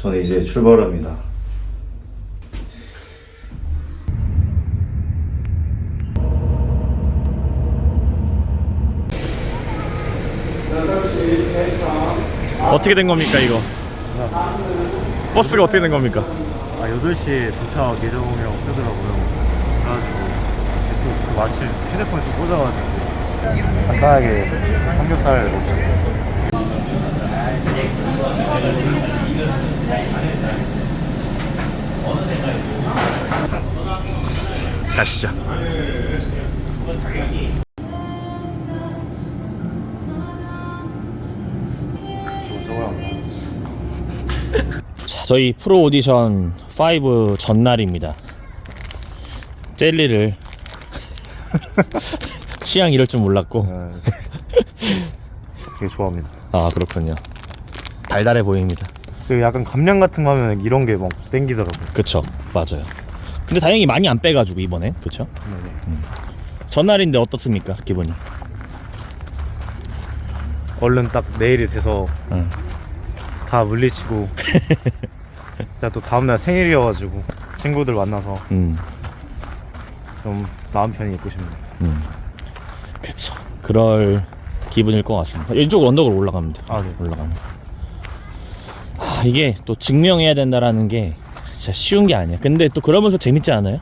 저는 이제 출발합니다. 어떻게 된 겁니까 이거? 버스가 어떻게 된 겁니까? 8시에 도착 예정이라고 뜨더라고요. 그래가지고 또 그 마침 휴대폰이 좀 꽂아가지고 간단하게 삼겹살 먹고. 가시죠. 자, 저희 프로 오디션 5 전날입니다. 젤리를 취향 이럴 줄 몰랐고. 되게 좋아합니다. 아, 그렇군요. 달달해 보입니다. 그 약간 감량 같은 거 하면 이런 게 막 땡기더라고요. 그쵸, 맞아요. 근데 다행히 많이 안 빼가지고 이번에, 그쵸? 전날인데 어떻습니까, 기분이? 얼른 딱 내일이 돼서 응. 다 물리치고 제가 또 다음날 생일이어가지고 친구들 만나서 좀 마음 편히 있고 싶네요. 그쵸. 그럴 기분일 것 같습니다. 이쪽 언덕으로 올라가면 돼요. 아, 네. 올라가면. 아, 이게 또 증명해야 된다라는 게 진짜 쉬운 게 아니야. 근데 또 그러면서 재밌지 않아요?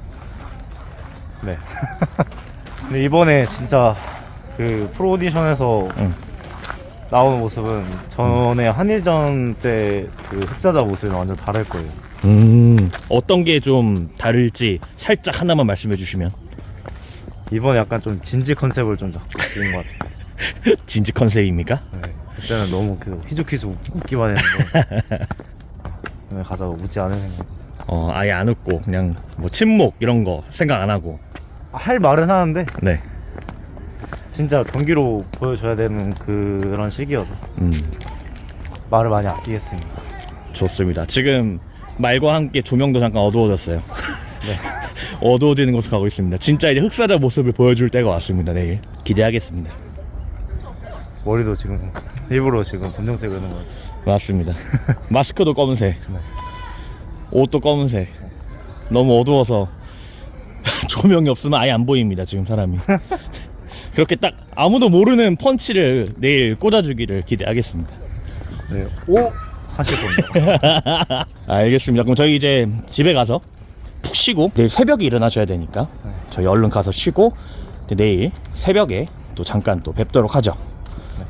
네. 근데 이번에 진짜 그 프로 오디션에서 나오는 모습은 전에 한일전 때 그 흑사자 모습이랑 완전 다를 거예요. 어떤 게 좀 다를지 살짝 하나만 말씀해 주시면. 이번에 약간 좀 진지 컨셉을 좀 잡고 있는 것 같아요. 진지 컨셉입니까? 네. 그때는 너무 계속 휘죽휘죽 웃기만 했는데 오늘 가서 웃지 않을 생각. 아예 안 웃고 그냥 뭐 침묵 이런 거 생각 안 하고. 할 말은 하는데 네. 진짜 경기로 보여줘야 되는 그런 시기여서 말을 많이 아끼겠습니다. 좋습니다. 지금 말과 함께 조명도 잠깐 어두워졌어요. 네. 어두워지는 곳으로 가고 있습니다. 진짜 이제 흑사자 모습을 보여줄 때가 왔습니다. 내일 기대하겠습니다. 머리도 지금 일부러 지금 검정색을 하는 것 같아요. 맞습니다. 마스크도 검은색, 네. 옷도 검은색. 너무 어두워서 조명이 없으면 아예 안 보입니다. 지금 사람이. 그렇게 딱 아무도 모르는 펀치를 내일 꽂아주기를 기대하겠습니다. 네. 오! 하실 겁니다. 알겠습니다. 그럼 저희 이제 집에 가서 푹 쉬고 내일 새벽에 일어나셔야 되니까 저희 얼른 가서 쉬고 내일 새벽에 또 잠깐 또 뵙도록 하죠. 네.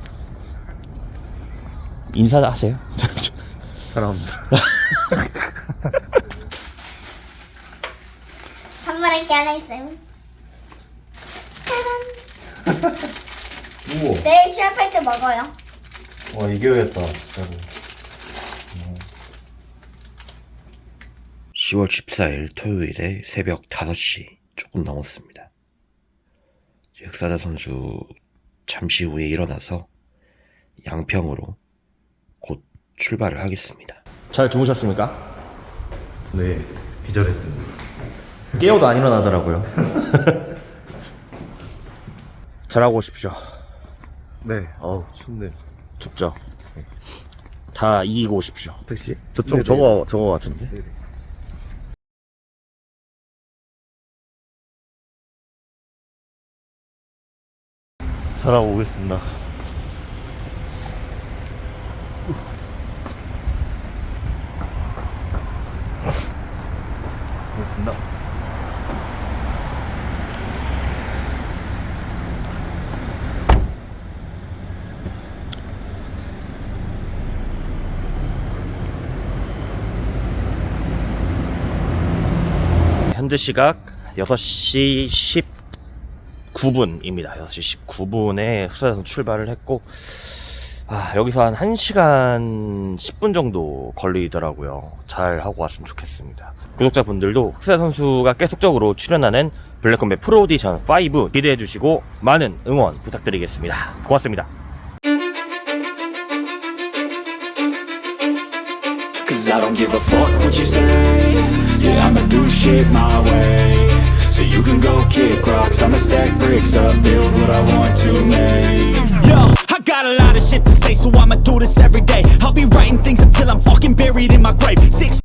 인사하세요. 사랑합니다. 선물할 게 하나 있어요. 짜잔. 우와. 내일 시합할 때 먹어요. 와, 이겨야겠다, 진짜로. 10월 14일 토요일에 새벽 5시 조금 넘었습니다. 흑사자 선수 잠시 후에 일어나서 양평으로 곧 출발을 하겠습니다. 잘 주무셨습니까? 네, 기절했습니다. 깨워도 안 일어나더라고요. 잘하고 오십시오. 네. 어우, 춥네요. 춥죠? 다 이기고 오십시오. 택시? 저쪽 네네. 저거 같은데? 네네. 잘하고 오겠습니다. 고맙습니다. 현재 시각 6시 19분입니다. 6시 19분에 흑사자 선수 출발을 했고 여기서 한 1시간 10분 정도 걸리더라고요. 잘 하고 왔으면 좋겠습니다. 구독자분들도 흑사자 선수가 계속적으로 출연하는 블랙컴뱃 프로 오디션 5 기대해 주시고 많은 응원 부탁드리겠습니다. 고맙습니다. Cause I don't give a fuck what you say. Yeah, I'ma do shit my way. So you can go kick rocks, I'ma stack bricks up, build what I want to make. Yo, I got a lot of shit to say, so I'ma do this every day. I'll be writing things until I'm fucking buried in my stripe. 6